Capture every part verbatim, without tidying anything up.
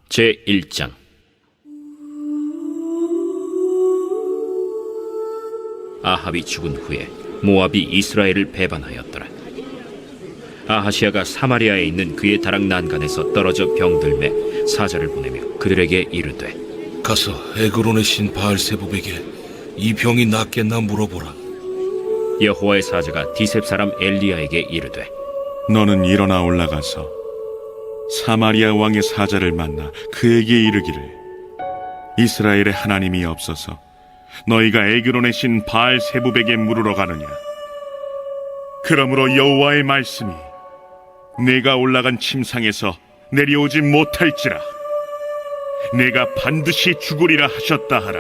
제일 장. 아합이 죽은 후에 모압이 이스라엘을 배반하였더라. 아하시아가 사마리아에 있는 그의 다락 난간에서 떨어져 병들매 사자를 보내며 그들에게 이르되, 가서 에그론의 신 바알세불에게 이 병이 낫겠나 물어보라. 여호와의 사자가 디셉 사람 엘리야에게 이르되, 너는 일어나 올라가서 사마리아 왕의 사자를 만나 그에게 이르기를, 이스라엘의 하나님이 없어서 너희가 에그론의 신 바알세불에게 물으러 가느냐? 그러므로 여호와의 말씀이 내가 올라간 침상에서 내려오지 못할지라 내가 반드시 죽으리라 하셨다 하라.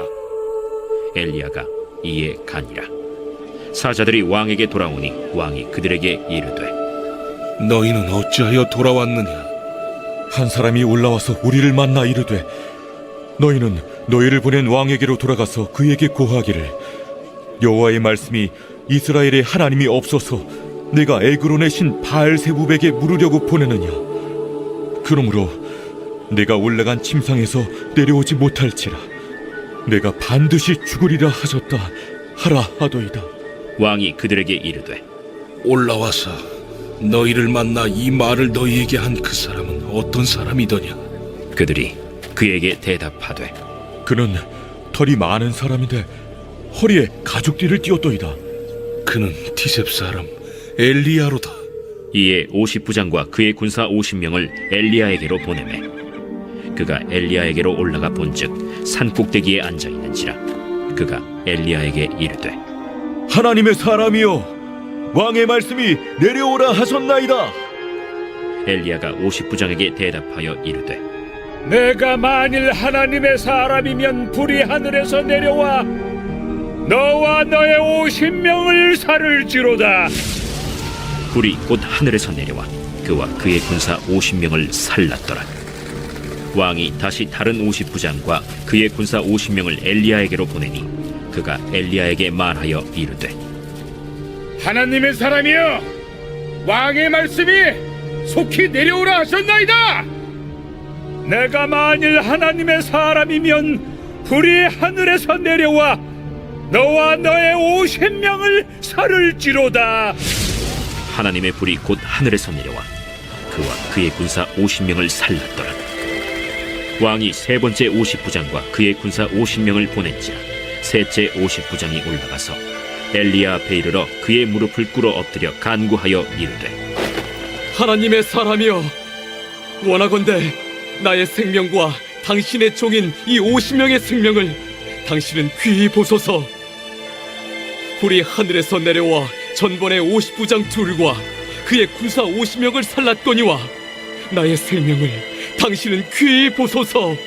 엘리야가 이에 가니라. 사자들이 왕에게 돌아오니 왕이 그들에게 이르되, 너희는 어찌하여 돌아왔느냐? 한 사람이 올라와서 우리를 만나 이르되, 너희는 너희를 보낸 왕에게로 돌아가서 그에게 고하기를, 여호와의 말씀이 이스라엘의 하나님이 없어서 내가 에그론의 신 바알세불에게 물으려고 보내느냐? 그러므로 내가 올라간 침상에서 내려오지 못할지라 내가 반드시 죽으리라 하셨다 하라 하도이다. 왕이 그들에게 이르되, 올라와서 너희를 만나 이 말을 너희에게 한 그 사람은 어떤 사람이더냐? 그들이 그에게 대답하되, 그는 털이 많은 사람인데 허리에 가죽띠를 띄었도이다. 그는 디셉 사람 엘리야로다. 이에 오십 부장과 그의 군사 오십 명을 엘리야에게로 보내매 그가 엘리야에게로 올라가 본즉 산 꼭대기에 앉아 있는지라. 그가 엘리야에게 이르되, 하나님의 사람이여, 왕의 말씀이 내려오라 하셨나이다. 엘리야가 오십 부장에게 대답하여 이르되, 내가 만일 하나님의 사람이면 불이 하늘에서 내려와 너와 너의 오십 명을 살을지로다. 불이 곧 하늘에서 내려와 그와 그의 군사 오십 명을 살랐더라. 왕이 다시 다른 오십 부장과 그의 군사 오십 명을 엘리야에게로 보내니 그가 엘리야에게 말하여 이르되, 하나님의 사람이여, 왕의 말씀이 속히 내려오라 하셨나이다. 내가 만일 하나님의 사람이면 불이 하늘에서 내려와 너와 너의 오십 명을 살을지로다. 하나님의 불이 곧 하늘에서 내려와 그와 그의 군사 오십 명을 살랐더라. 왕이 세 번째 오십 부장과 그의 군사 오십 명을 보낸지라. 셋째 오십 부장이 올라가서 엘리야 앞에 이르러 그의 무릎을 꿇어 엎드려 간구하여 이르되, 하나님의 사람이여, 원하건대 나의 생명과 당신의 종인 이 오십 명의 생명을 당신은 귀히 보소서. 불이 하늘에서 내려와 전번에 오십 부장 둘과 그의 군사 오십 명을 살랐거니와 나의 생명을 당신은 귀히 보소서.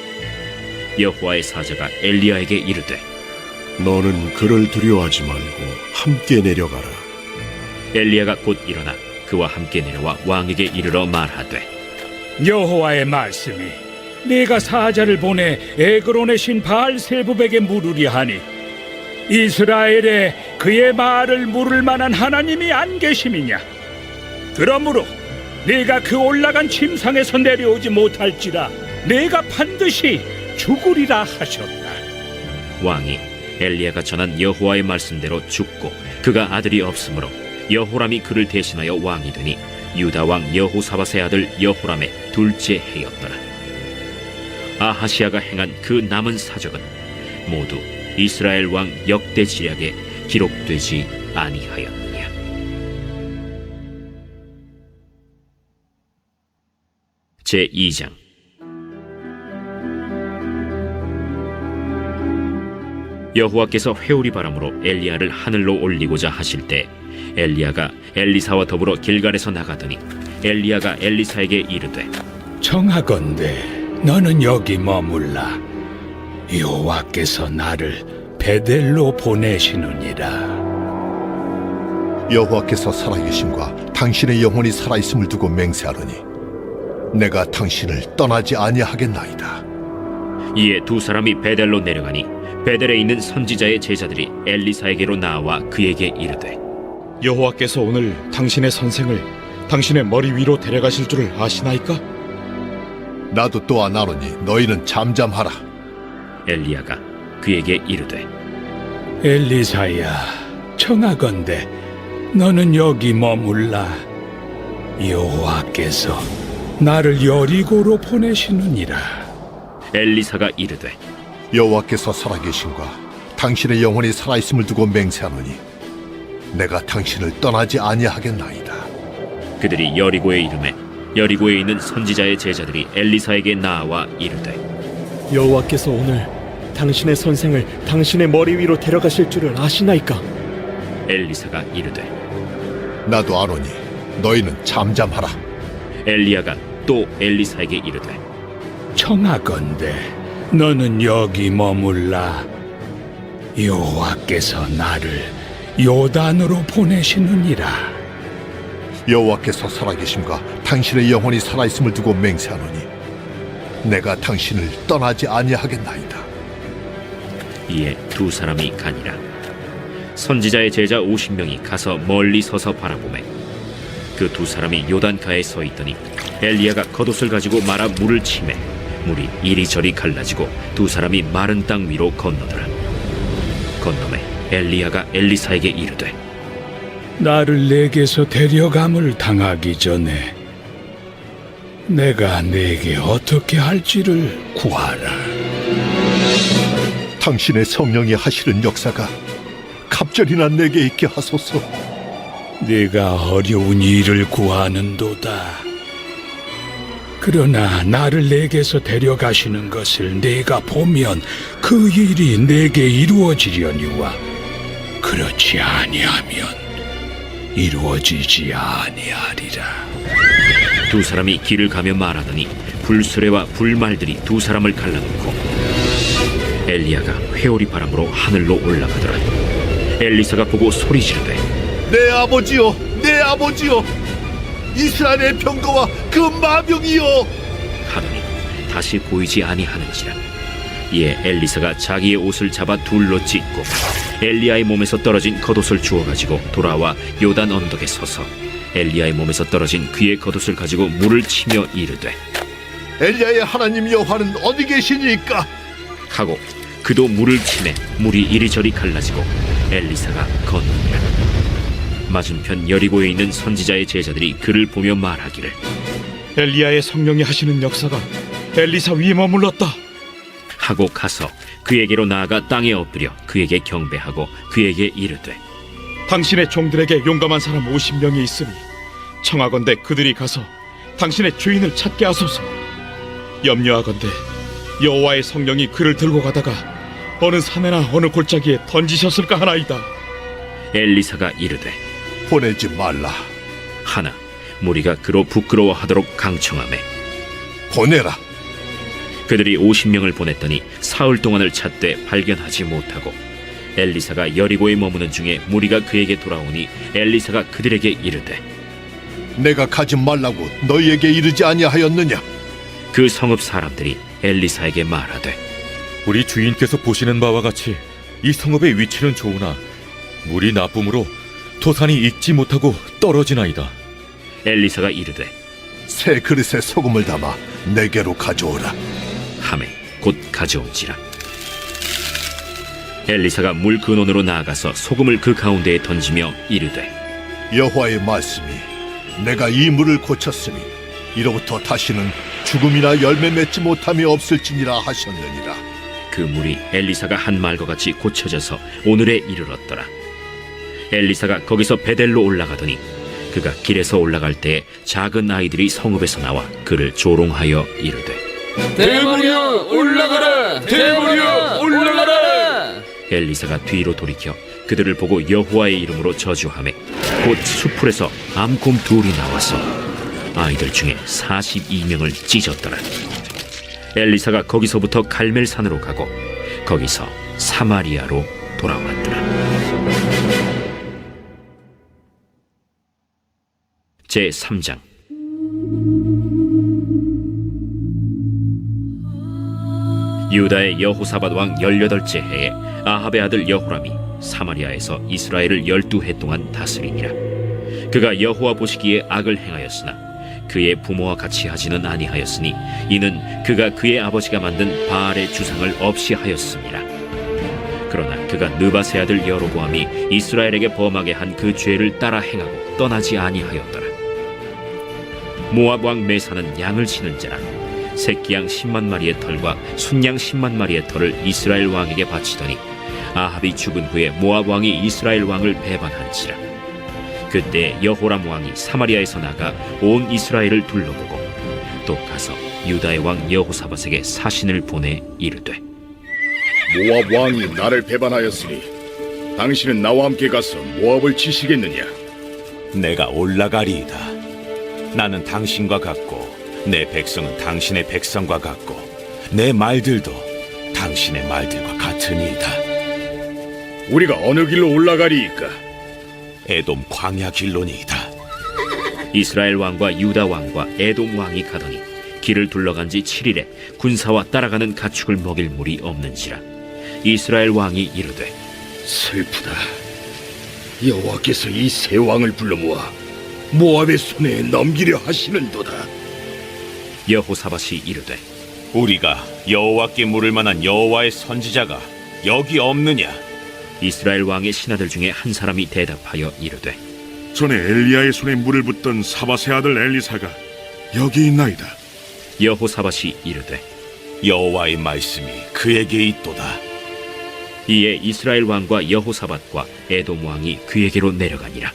여호와의 사자가 엘리야에게 이르되, 너는 그를 두려워하지 말고 함께 내려가라. 엘리야가 곧 일어나 그와 함께 내려와 왕에게 이르러 말하되, 여호와의 말씀이 내가 사자를 보내 에그론의 신 바알세불에게 물으리 하니 이스라엘에 그의 말을 물을 만한 하나님이 안 계심이냐? 그러므로 내가 그 올라간 침상에서 내려오지 못할지라 내가 반드시 죽으리라 하셨다. 왕이 엘리야가 전한 여호와의 말씀대로 죽고 그가 아들이 없으므로 여호람이 그를 대신하여 왕이 되니 유다 왕 여호사밧의 아들 여호람의 둘째 해였더라. 아하시아가 행한 그 남은 사적은 모두 이스라엘 왕 역대 지략에 기록되지 아니하였느냐. 제이 장. 여호와께서 회오리 바람으로 엘리야를 하늘로 올리고자 하실 때 엘리야가 엘리사와 더불어 길갈에서 나가더니 엘리야가 엘리사에게 이르되, 청하건대 너는 여기 머물라. 여호와께서 나를 베델로 보내시느니라. 여호와께서 살아계심과 당신의 영혼이 살아있음을 두고 맹세하노니 내가 당신을 떠나지 아니하겠나이다. 이에 두 사람이 베델로 내려가니 베델에 있는 선지자의 제자들이 엘리사에게로 나와 그에게 이르되, 여호와께서 오늘 당신의 선생을 당신의 머리 위로 데려가실 줄을 아시나이까? 나도 또한 아노니 너희는 잠잠하라. 엘리야가 그에게 이르되 엘리사야, 청하건대 너는 여기 머물라. 여호와께서 나를 여리고로 보내시느니라. 엘리사가 이르되 여호와께서 살아계신과 당신의 영혼이 살아있음을 두고 맹세하노니 내가 당신을 떠나지 아니하겠나이다. 그들이 여리고에 이르매 여리고에 있는 선지자의 제자들이 엘리사에게 나와 이르되 여호와께서 오늘 당신의 선생을 당신의 머리 위로 데려가실 줄을 아시나이까? 엘리사가 이르되 나도 아노니 너희는 잠잠하라. 엘리야가 또 엘리사에게 이르되 청하건대 너는 여기 머물라. 여호와께서 나를 요단으로 보내시느니라. 여호와께서 살아계심과 당신의 영혼이 살아있음을 두고 맹세하노니 내가 당신을 떠나지 아니하겠나이다. 이에 두 사람이 가니라. 선지자의 제자 오십 명이 가서 멀리 서서 바라보매 그 두 사람이 요단가에 서 있더니 엘리야가 겉옷을 가지고 말아 물을 치매 물이 이리저리 갈라지고 두 사람이 마른 땅 위로 건너더라. 건너매 엘리야가 엘리사에게 이르되 나를 내게서 데려감을 당하기 전에 내가 내게 어떻게 할지를 구하라. 당신의 성령이 하시는 역사가 갑절이나 내게 있게 하소서. 네가 어려운 일을 구하는도다. 그러나 나를 내게서 데려가시는 것을 내가 보면 그 일이 내게 이루어지려니와 그렇지 아니하면 이루어지지 아니하리라. 두 사람이 길을 가며 말하더니 불수레와 불말들이 두 사람을 갈라놓고 엘리야가 회오리 바람으로 하늘로 올라가더라. 엘리사가 보고 소리 지르되 내 아버지여, 내 아버지여, 이스라엘의 병거와 그 마병이여. 하더니 다시 보이지 아니하는지라. 이에 엘리사가 자기의 옷을 잡아 둘로 찢고 엘리야의 몸에서 떨어진 겉옷을 주워 가지고 돌아와 요단 언덕에 서서 엘리야의 몸에서 떨어진 그의 겉옷을 가지고 물을 치며 이르되 엘리야의 하나님 여호와는 어디 계시니까? 하고 그도 물을 치매 물이 이리저리 갈라지고 엘리사가 건너니라. 맞은편 여리고에 있는 선지자의 제자들이 그를 보며 말하기를 엘리야의 성령이 하시는 역사가 엘리사 위에 머물렀다. 하고 가서 그에게로 나아가 땅에 엎드려 그에게 경배하고 그에게 이르되 당신의 종들에게 용감한 사람 오십 명이 있으니 청하건대 그들이 가서 당신의 주인을 찾게 하소서. 염려하건대 여호와의 성령이 그를 들고 가다가 어느 산에나 어느 골짜기에 던지셨을까 하나이다. 엘리사가 이르되 보내지 말라. 하나 무리가 그로 부끄러워하도록 강청하매 보내라. 그들이 오십 명을 보냈더니 사흘 동안을 찾되 발견하지 못하고 엘리사가 여리고에 머무는 중에 무리가 그에게 돌아오니 엘리사가 그들에게 이르되 내가 가지 말라고 너희에게 이르지 아니하였느냐? 그 성읍 사람들이 엘리사에게 말하되 우리 주인께서 보시는 바와 같이 이 성읍의 위치는 좋으나 물이 나쁨으로 토산이 익지 못하고 떨어지나이다. 엘리사가 이르되 새 그릇에 소금을 담아 내게로 가져오라. 하매 곧 가져온지라. 엘리사가 물 근원으로 나아가서 소금을 그 가운데에 던지며 이르되 여호와의 말씀이 내가 이 물을 고쳤으니 이로부터 다시는 죽음이나 열매 맺지 못함이 없을지니라 하셨느니라. 그 물이 엘리사가 한 말과 같이 고쳐져서 오늘에 이르렀더라. 엘리사가 거기서 베델로 올라가더니 그가 길에서 올라갈 때에 작은 아이들이 성읍에서 나와 그를 조롱하여 이르되 대머리여 올라가라! 대머리여 올라가라! 엘리사가 뒤로 돌이켜 그들을 보고 여호와의 이름으로 저주하매 곧 수풀에서 암곰 둘이 나와서 아이들 중에 사십이 명을 찢었더라. 엘리사가 거기서부터 갈멜산으로 가고 거기서 사마리아로 돌아왔더라. 제삼 장. 유다의 여호사밧 왕 열여덟째 해에 아합의 아들 여호람이 사마리아에서 이스라엘을 열두 해 동안 다스리니라. 그가 여호와 보시기에 악을 행하였으나 그의 부모와 같이 하지는 아니하였으니 이는 그가 그의 아버지가 만든 바알의 주상을 없이 하였습니다. 그러나 그가 느바세 아들 여로보암이 이스라엘에게 범하게 한 그 죄를 따라 행하고 떠나지 아니하였더라. 모압 왕 메사는 양을 치는지라 새끼양 십만 마리의 털과 순양 십만 마리의 털을 이스라엘 왕에게 바치더니 아합이 죽은 후에 모압 왕이 이스라엘 왕을 배반한지라. 그때 여호람 왕이 사마리아에서 나가 온 이스라엘을 둘러보고 또 가서 유다의 왕 여호사밧에게 사신을 보내 이르되 모압 왕이 나를 배반하였으니 당신은 나와 함께 가서 모압을 치시겠느냐? 내가 올라가리이다. 나는 당신과 같고 내 백성은 당신의 백성과 같고 내 말들도 당신의 말들과 같으니이다. 우리가 어느 길로 올라가리이까? 에돔 광야 길로니이다. 이스라엘 왕과 유다 왕과 에돔 왕이 가더니 길을 둘러간 지 칠 일에 군사와 따라가는 가축을 먹일 물이 없는지라. 이스라엘 왕이 이르되 슬프다. 여호와께서 이 세 왕을 불러 모아 모압의 손에 넘기려 하시는도다. 여호사밧이 이르되 우리가 여호와께 물을 만한 여호와의 선지자가 여기 없느냐? 이스라엘 왕의 신하들 중에 한 사람이 대답하여 이르되 전에 엘리야의 손에 물을 붓던 사밧의 아들 엘리사가 여기 있나이다. 여호사밧이 이르되 여호와의 말씀이 그에게 있도다. 이에 이스라엘 왕과 여호사밧과 에돔 왕이 그에게로 내려가니라.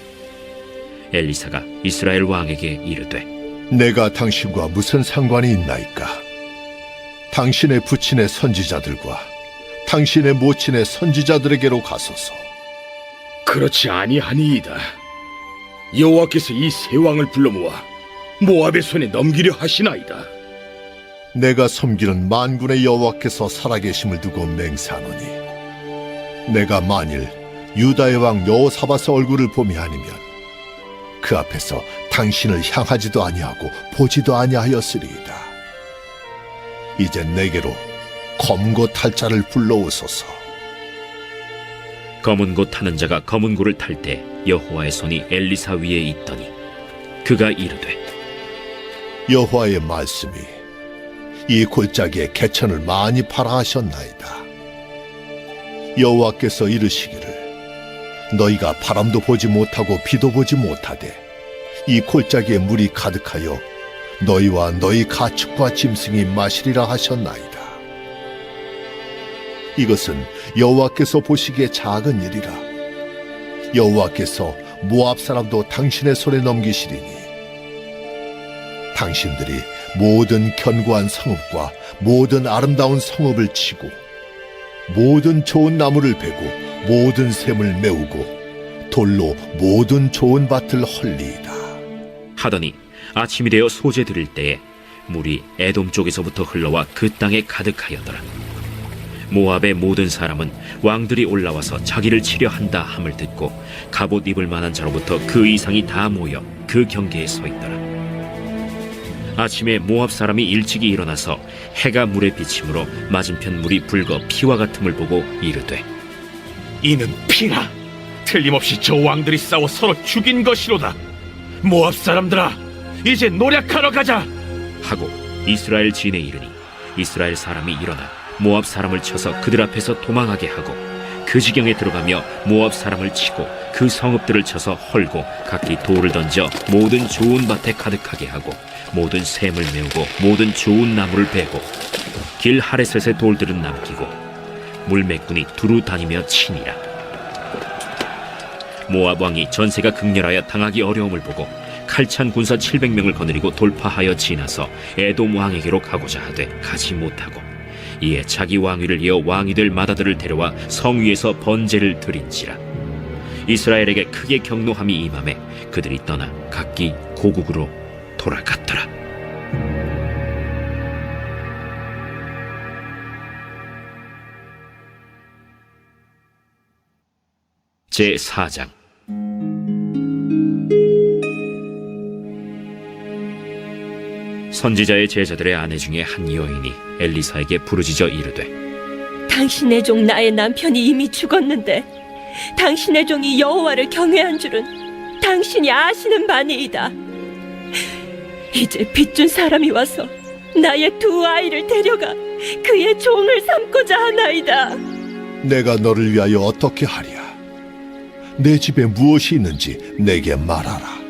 엘리사가 이스라엘 왕에게 이르되 내가 당신과 무슨 상관이 있나이까? 당신의 부친의 선지자들과 당신의 모친의 선지자들에게로 가소서. 그렇지 아니하니이다. 여호와께서 이 세 왕을 불러 모아 모압의 손에 넘기려 하시나이다. 내가 섬기는 만군의 여호와께서 살아계심을 두고 맹세하노니 내가 만일 유다의 왕 여호사밧의 얼굴을 봄이 아니면 그 앞에서 당신을 향하지도 아니하고 보지도 아니하였으리이다. 이제 내게로 검고 탈 자를 불러오소서. 검은 고 타는 자가 검은 고를 탈 때 여호와의 손이 엘리사 위에 있더니 그가 이르되 여호와의 말씀이 이 골짜기에 개천을 많이 팔아 하셨나이다. 여호와께서 이르시기를 너희가 바람도 보지 못하고 비도 보지 못하되 이 골짜기에 물이 가득하여 너희와 너희 가축과 짐승이 마시리라 하셨나이다. 이것은 여호와께서 보시기에 작은 일이라. 여호와께서 모압 사람도 당신의 손에 넘기시리니 당신들이 모든 견고한 성읍과 모든 아름다운 성읍을 치고 모든 좋은 나무를 베고 모든 샘을 메우고 돌로 모든 좋은 밭을 헐리이다. 하더니 아침이 되어 소재 드릴 때에 물이 에돔 쪽에서부터 흘러와 그 땅에 가득하였더라. 모압의 모든 사람은 왕들이 올라와서 자기를 치려 한다 함을 듣고 갑옷 입을 만한 자로부터 그 이상이 다 모여 그 경계에 서 있더라. 아침에 모압 사람이 일찍이 일어나서 해가 물에 비침으로 맞은편 물이 붉어 피와 같음을 보고 이르되 이는 피라. 틀림없이 저 왕들이 싸워 서로 죽인 것이로다. 모압 사람들아, 이제 노력하러 가자. 하고 이스라엘 진에 이르니 이스라엘 사람이 일어나 모압 사람을 쳐서 그들 앞에서 도망하게 하고 그 지경에 들어가며 모압 사람을 치고 그 성읍들을 쳐서 헐고 각기 돌을 던져 모든 좋은 밭에 가득하게 하고 모든 샘을 메우고 모든 좋은 나무를 베고 길 하레셋의 돌들은 남기고 물매꾼이 두루 다니며 치니라. 모압 왕이 전세가 극렬하여 당하기 어려움을 보고 칼찬 군사 칠백 명을 거느리고 돌파하여 지나서 에돔 왕에게로 가고자 하되 가지 못하고 이에 자기 왕위를 이어 왕이 될 마다들을 데려와 성 위에서 번제를 드린지라. 이스라엘에게 크게 경노함이 임하매 그들이 떠나 각기 고국으로 돌아갔더라. 제사 장. 선지자의 제자들의 아내 중에 한 여인이 엘리사에게 부르짖어 이르되 당신의 종 나의 남편이 이미 죽었는데 당신의 종이 여호와를 경외한 줄은 당신이 아시는 바니이다. 이제 빚준 사람이 와서 나의 두 아이를 데려가 그의 종을 삼고자 하나이다. 내가 너를 위하여 어떻게 하랴? 내 집에 무엇이 있는지 내게 말하라.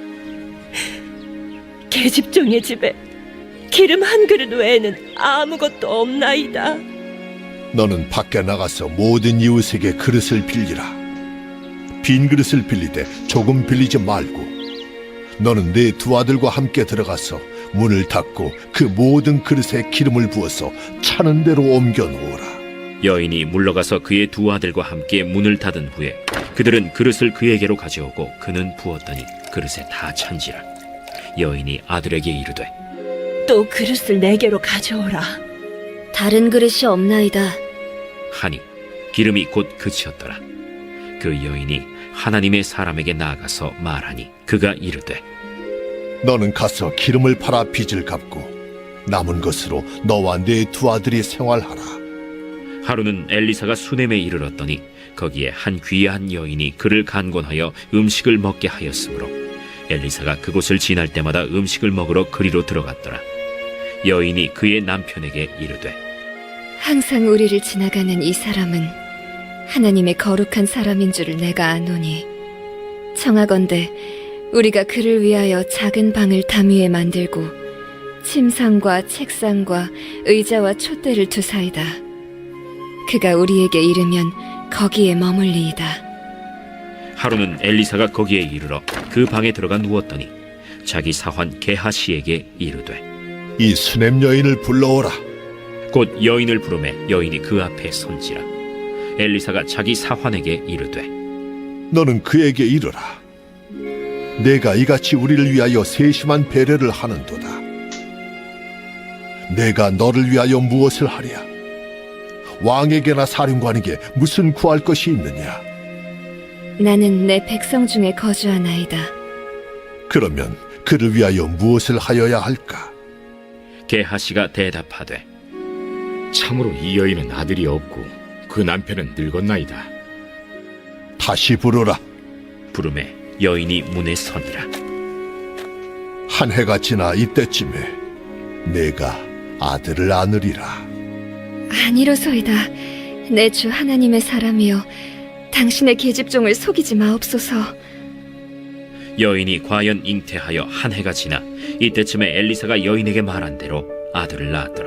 계집종의 집에 기름 한 그릇 외에는 아무것도 없나이다. 너는 밖에 나가서 모든 이웃에게 그릇을 빌리라. 빈 그릇을 빌리되 조금 빌리지 말고 너는 네 두 아들과 함께 들어가서 문을 닫고 그 모든 그릇에 기름을 부어서 차는 대로 옮겨 놓으라. 여인이 물러가서 그의 두 아들과 함께 문을 닫은 후에 그들은 그릇을 그에게로 가져오고 그는 부었더니 그릇에 다 찬지라. 여인이 아들에게 이르되 또 그릇을 내게로 가져오라. 다른 그릇이 없나이다. 하니 기름이 곧 그치었더라. 그 여인이 하나님의 사람에게 나아가서 말하니 그가 이르되 너는 가서 기름을 팔아 빚을 갚고 남은 것으로 너와 네 두 아들이 생활하라. 하루는 엘리사가 수넴에 이르렀더니 거기에 한 귀한 여인이 그를 간곤하여 음식을 먹게 하였으므로 엘리사가 그곳을 지날 때마다 음식을 먹으러 그리로 들어갔더라. 여인이 그의 남편에게 이르되 항상 우리를 지나가는 이 사람은 하나님의 거룩한 사람인 줄을 내가 아노니 청하건대 우리가 그를 위하여 작은 방을 담 위에 만들고 침상과 책상과 의자와 촛대를 두사이다. 그가 우리에게 이르면 거기에 머물리이다. 하루는 엘리사가 거기에 이르러 그 방에 들어가 누웠더니 자기 사환 게하시에게 이르되 이 수넴 여인을 불러오라. 곧 여인을 부르매 여인이 그 앞에 선지라. 엘리사가 자기 사환에게 이르되 너는 그에게 이르라. 내가 이같이 우리를 위하여 세심한 배려를 하는도다. 내가 너를 위하여 무엇을 하랴? 왕에게나 사령관에게 무슨 구할 것이 있느냐? 나는 내 백성 중에 거주하나이다. 그러면 그를 위하여 무엇을 하여야 할까? 게하시가 대답하되 참으로 이 여인은 아들이 없고 그 남편은 늙었나이다. 다시 부르라. 부르매 여인이 문에 서니라. 한 해가 지나 이때쯤에 내가 아들을 안으리라. 아니로소이다. 내 주 하나님의 사람이여, 당신의 계집종을 속이지 마옵소서. 여인이 과연 잉태하여 한 해가 지나 이때쯤에 엘리사가 여인에게 말한 대로 아들을 낳았더라.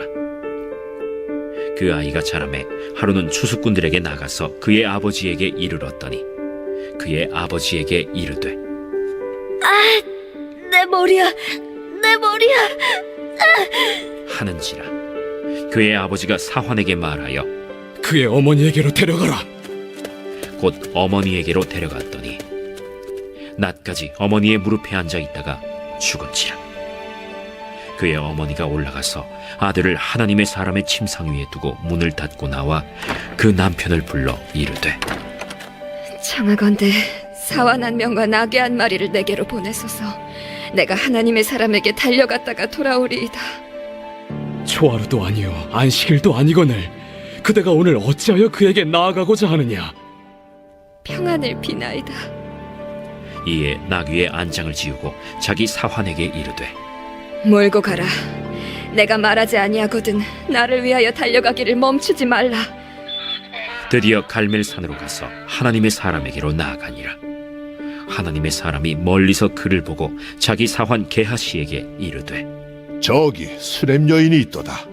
그 아이가 자라매 하루는 추수꾼들에게 나가서 그의 아버지에게 이르렀더니 그의 아버지에게 이르되 아, 내 머리야, 내 머리야 아! 하는지라. 그의 아버지가 사환에게 말하여 그의 어머니에게로 데려가라. 곧 어머니에게로 데려갔더니 낮까지 어머니의 무릎에 앉아 있다가 죽었지라. 그의 어머니가 올라가서 아들을 하나님의 사람의 침상 위에 두고 문을 닫고 나와 그 남편을 불러 이르되 청하건대 사완 한 명과 나귀 한 마리를 내게로 보내소서. 내가 하나님의 사람에게 달려갔다가 돌아오리이다. 초하루도 아니요 안식일도 아니거늘 그대가 오늘 어찌하여 그에게 나아가고자 하느냐? 평안을 비나이다. 이에 나귀의 안장을 지우고 자기 사환에게 이르되 몰고 가라. 내가 말하지 아니하거든 나를 위하여 달려가기를 멈추지 말라. 드디어 갈멜산으로 가서 하나님의 사람에게로 나아가니라. 하나님의 사람이 멀리서 그를 보고 자기 사환 게하시에게 이르되 저기 수렘 여인이 있도다.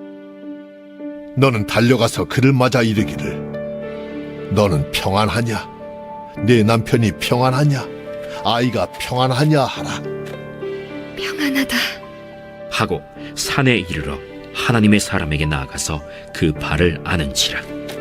너는 달려가서 그를 맞아 이르기를 너는 평안하냐? 네 남편이 평안하냐? 아이가 평안하냐 하라. 평안하다 하고 산에 이르러 하나님의 사람에게 나아가서 그 발을 아는지라.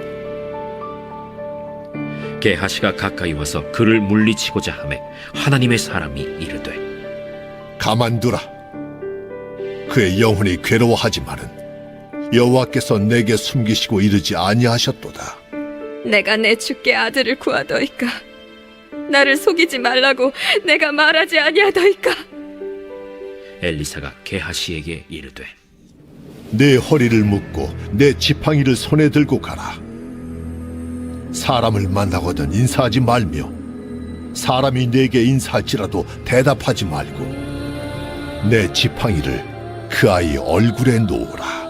게하시가 가까이 와서 그를 물리치고자 하매 하나님의 사람이 이르되 가만두라. 그의 영혼이 괴로워하지만은 여호와께서 내게 숨기시고 이르지 아니하셨도다. 내가 내 주께 아들을 구하더이까. 나를 속이지 말라고 내가 말하지 아니하더이까. 엘리사가 게하시에게 이르되 내 허리를 묶고 내 지팡이를 손에 들고 가라. 사람을 만나거든 인사하지 말며 사람이 내게 인사할지라도 대답하지 말고 내 지팡이를 그 아이 얼굴에 놓으라.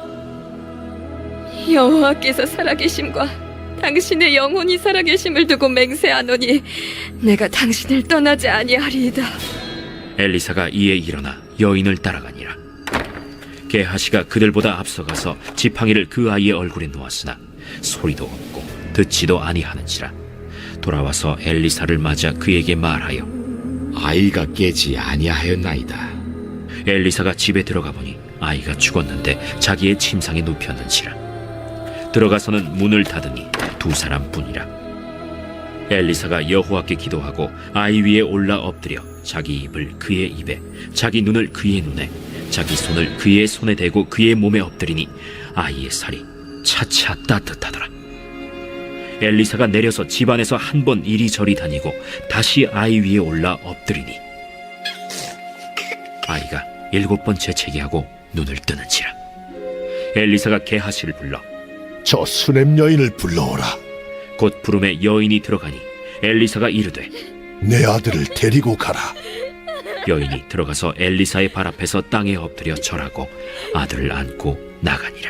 여호와께서 살아계심과 당신의 영혼이 살아계심을 두고 맹세하노니 내가 당신을 떠나지 아니하리이다. 엘리사가 이에 일어나 여인을 따라가니라. 게하시가 그들보다 앞서가서 지팡이를 그 아이의 얼굴에 놓았으나 소리도 없고 듣지도 아니하는지라. 돌아와서 엘리사를 맞아 그에게 말하여 아이가 깨지 아니하였나이다. 엘리사가 집에 들어가 보니 아이가 죽었는데 자기의 침상에 눕혔는지라. 들어가서는 문을 닫으니 두 사람뿐이라. 엘리사가 여호와께 기도하고 아이 위에 올라 엎드려 자기 입을 그의 입에, 자기 눈을 그의 눈에, 자기 손을 그의 손에 대고 그의 몸에 엎드리니 아이의 살이 차차 따뜻하더라. 엘리사가 내려서 집안에서 한 번 이리저리 다니고 다시 아이 위에 올라 엎드리니 아이가 일곱 번 재채기하고 눈을 뜨는지라. 엘리사가 게하시를 불러 저 수냄 여인을 불러오라. 곧 부름에 여인이 들어가니 엘리사가 이르되 내 아들을 데리고 가라. 여인이 들어가서 엘리사의 발 앞에서 땅에 엎드려 절하고 아들을 안고 나가니라.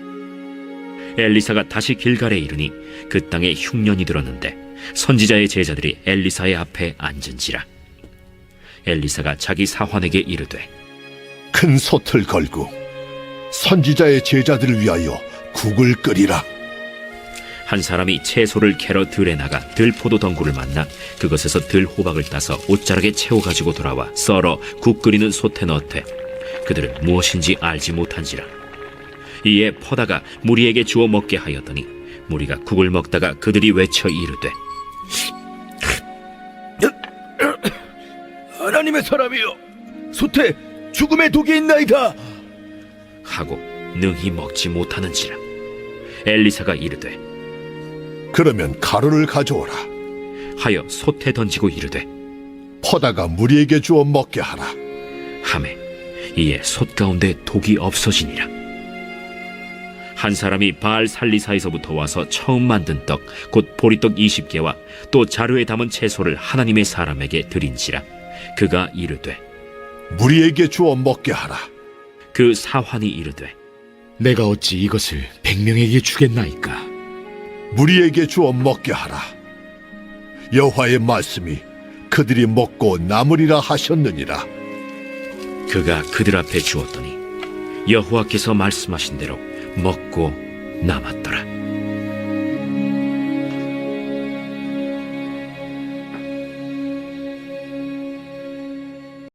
엘리사가 다시 길갈에 이르니 그 땅에 흉년이 들었는데 선지자의 제자들이 엘리사의 앞에 앉은지라. 엘리사가 자기 사환에게 이르되 큰 솥을 걸고 선지자의 제자들을 위하여 국을 끓이라. 한 사람이 채소를 캐러 들에 나가 들포도 덩굴을 만나 그것에서 들호박을 따서 옷자락에 채워가지고 돌아와 썰어 국 끓이는 솥에 넣되 그들은 무엇인지 알지 못한지라. 이에 퍼다가 무리에게 주어 먹게 하였더니 무리가 국을 먹다가 그들이 외쳐 이르되 하나님의 사람이여, 솥에 죽음의 독이 있나이다 하고 능히 먹지 못하는지라. 엘리사가 이르되 그러면 가루를 가져오라 하여 솥에 던지고 이르되 퍼다가 무리에게 주어 먹게 하라 하매 이에 솥 가운데 독이 없어지니라. 한 사람이 바알 살리사에서부터 와서 처음 만든 떡 곧 보리떡 이십 개와 또 자루에 담은 채소를 하나님의 사람에게 드린지라. 그가 이르되 무리에게 주어 먹게 하라. 그 사환이 이르되 내가 어찌 이것을 백명에게 주겠나이까. 무리에게 주어 먹게 하라. 여호와의 말씀이 그들이 먹고 남으리라 하셨느니라. 그가 그들 앞에 주었더니 여호와께서 말씀하신 대로 먹고 남았더라.